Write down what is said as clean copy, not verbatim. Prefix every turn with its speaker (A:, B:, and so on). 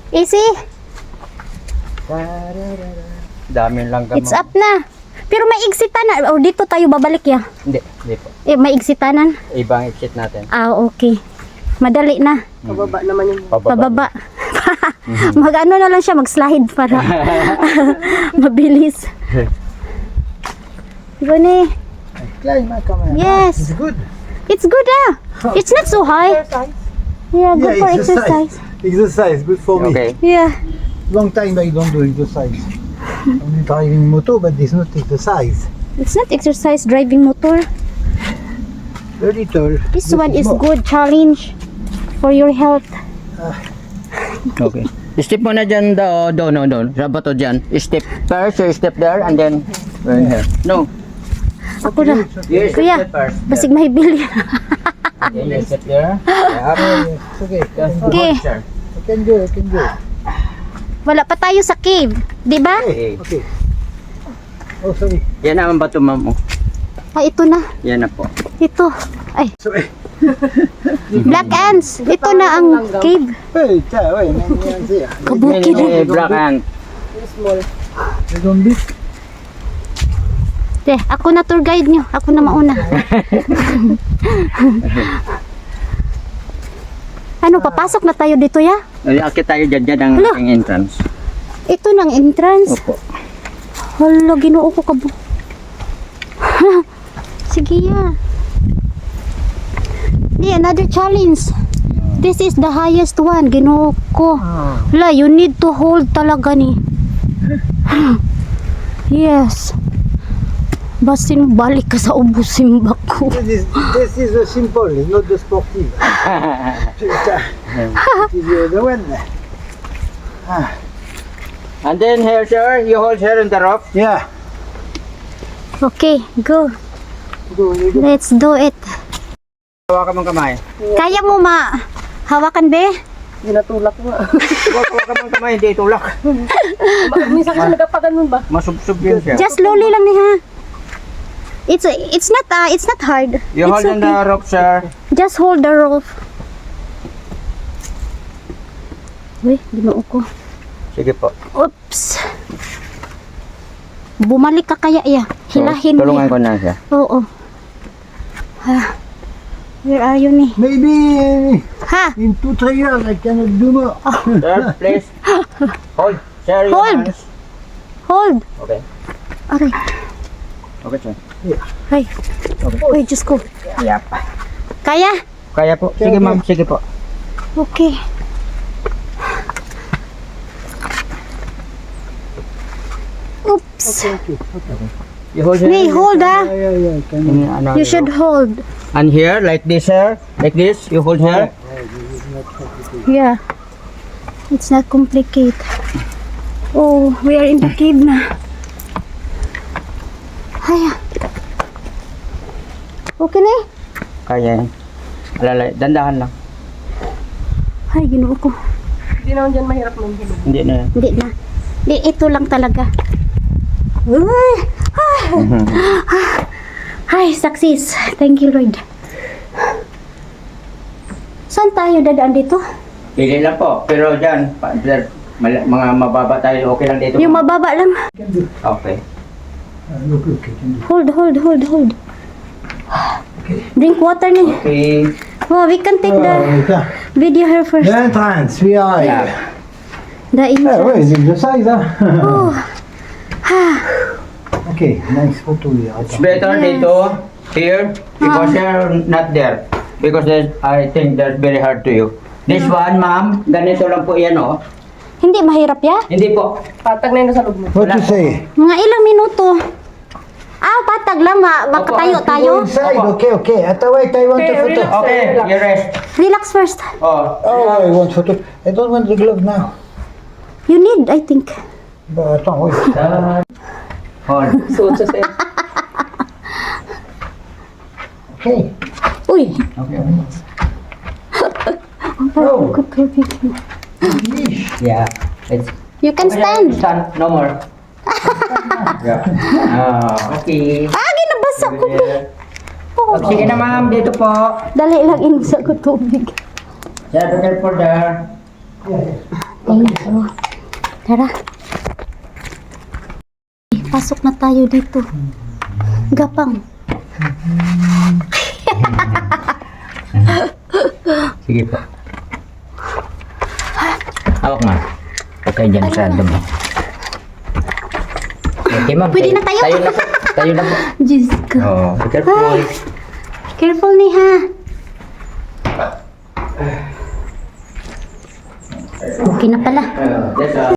A: Easy.
B: Dami lang gamang.
A: It's up na. Pero may exitanan. O dito tayo babalik ya.
B: Hindi po.
A: May exitanan.
B: Ibang exit natin.
A: Okay. Madali na.
C: Pababa naman yung
A: Pababa. Mag-ano na lang siya, mag-slide para mabilis. Gani.
D: Climb, come on.
A: Yes.
D: It's good.
A: It's good It's not so high. Yeah, good for exercise.
D: Exercise, good for me.
B: Okay.
A: Yeah.
D: Long time I don't do exercise. Only driving motor, but it's not exercise.
A: It's not exercise driving motor.
D: Very little.
A: This one is good challenge for your health.
B: Okay. Step mo na dyan, doon. Sa bato dyan. Step first, you step there, and then, here. No.
A: Ako na.
B: You
A: Kuya,
B: step first.
A: basig mahibili.
B: Okay, you step there. Yep.
D: It's okay.
A: Okay.
D: I can do.
A: Wala pa tayo sa cave, di ba?
B: Okay.
D: Okay. Oh, sorry.
B: Yan naman bato, ma'am.
A: Ito na.
B: Yan na po.
A: Ito. Ay,
D: Sorry.
A: black ants. Ito na ang cave.
D: Hey, wait, man, here.
A: Kabukid.
B: Black ant.
C: small.
D: You don't beat.
A: Ako na tour guide nyo. Ako na mauna. Ano, papasok na tayo dito ya?
B: Akit tayo dyan ang
A: Hala.
B: aking entrance.
A: Ito ng entrance.
B: Opo.
A: Hala, ginoo ko kabo. Sige ya. Another challenge. This is the highest one. Ginoo ko. Hala, you need to hold talaga ni. Yes. Basin balik ka sa ubusin bako.
D: This is the simple, not the sportive. This is the other one.
B: And then here, sir, you hold here in the rope.
D: Yeah.
A: Okay, go.
D: Go.
A: Let's do it.
B: Hawakan mong kamay.
A: Kaya mo hawakan be?
C: Ginatulak ko nga.
B: Hawakan mong kamay, hindi itulak.
C: Minsan kasi nagkapaganun ba?
B: Masubsob yun siya.
A: Just slowly lang ni ha. It's not hard.
B: You
A: It's
B: hold in the rope, sir.
A: Just hold the rope. Uy, ginoo ko.
B: Sige po.
A: Oops. Bumalik ka kaya ya. Hilahin mo.
B: Tulungan ko na siya.
A: Oo. Where are you ni?
D: Maybe
A: Ha?
D: in 2-3 years I cannot do more.
B: Sir, please. Hold. Sir, your
A: Hold.
B: hands.
A: Hold.
B: Okay.
A: Aray.
B: Okay, sir.
A: Ay. Uy, Diyos ko.
B: Yep.
A: Kaya?
B: Kaya po. Sige, ma'am. Sige po.
A: Okay. Oops.
B: You hold here.
A: Nay, hold ah.
D: Yeah, can
A: You should hold.
B: And here, like this, sir. Like this. You hold here.
A: Yeah. It's not complicated. Oh, we are in the cave na. Haya. Okay na eh.
B: Kaya yan. Alalay. Dandahan lang.
A: Ay, ginoo ko.
C: Hindi naman dyan mahirap ng hilog.
B: Hindi na yan.
A: Hindi na. Di, ito lang talaga. Uy! Ay, success. Thank you, Lord. Saan tayo dadaan dito?
B: Pili lang po. Pero dyan, mga mababa tayo. Okay lang dito.
A: Yung mababa lang.
B: Okay.
D: look, can do.
A: Hold. Drink water ni.
B: Okay.
A: Oh, we can take the
D: Yeah.
A: video here first.
D: The entrance, we are here.
A: The
D: Yeah, where
A: entrance.
D: is exercise, huh?
A: Oh.
D: Okay, nice photo here.
B: It's better dito, here, because you're not there. Because I think that's very hard to you. This one, ma'am, ganito lang po yan, oh.
A: Hindi mahirap ya?
B: Hindi po.
C: Patag na yun sa loob mo.
D: What you say?
A: Mga ilang minuto. Patag lang. Makatayo tayo.
D: Go inside, okay. Wait, I want a photo.
B: Okay, you rest.
A: Relax first.
B: Oh.
D: Oh, I want photo. I don't want the glove now.
A: You need, I think.
D: But attends, wait.
B: Hold.
C: Suot sa sa'yo.
D: Okay.
A: Uy.
B: Okay.
D: Oh,
A: Good.
B: Yeah. It's
A: You can stand.
B: Stand. No more. Yeah. Okay.
A: Ginabasa ko. Oh,
B: Sige na, ma'am. Dito po.
A: dali lang insa ko tubig.
B: Sir, be careful there.
A: Ayun. Oh. Tara. Pasok na tayo dito. Gapang.
B: Sige po. Hawak ma'am. Huwag kayo dyan sa dumi. Okay ma'am.
A: Pwede na tayo?
B: Tayo na po. Tayo na po.
A: Diyos ko.
B: Oh, be careful.
A: Careful ni ha. Okay na pala.
B: That's all.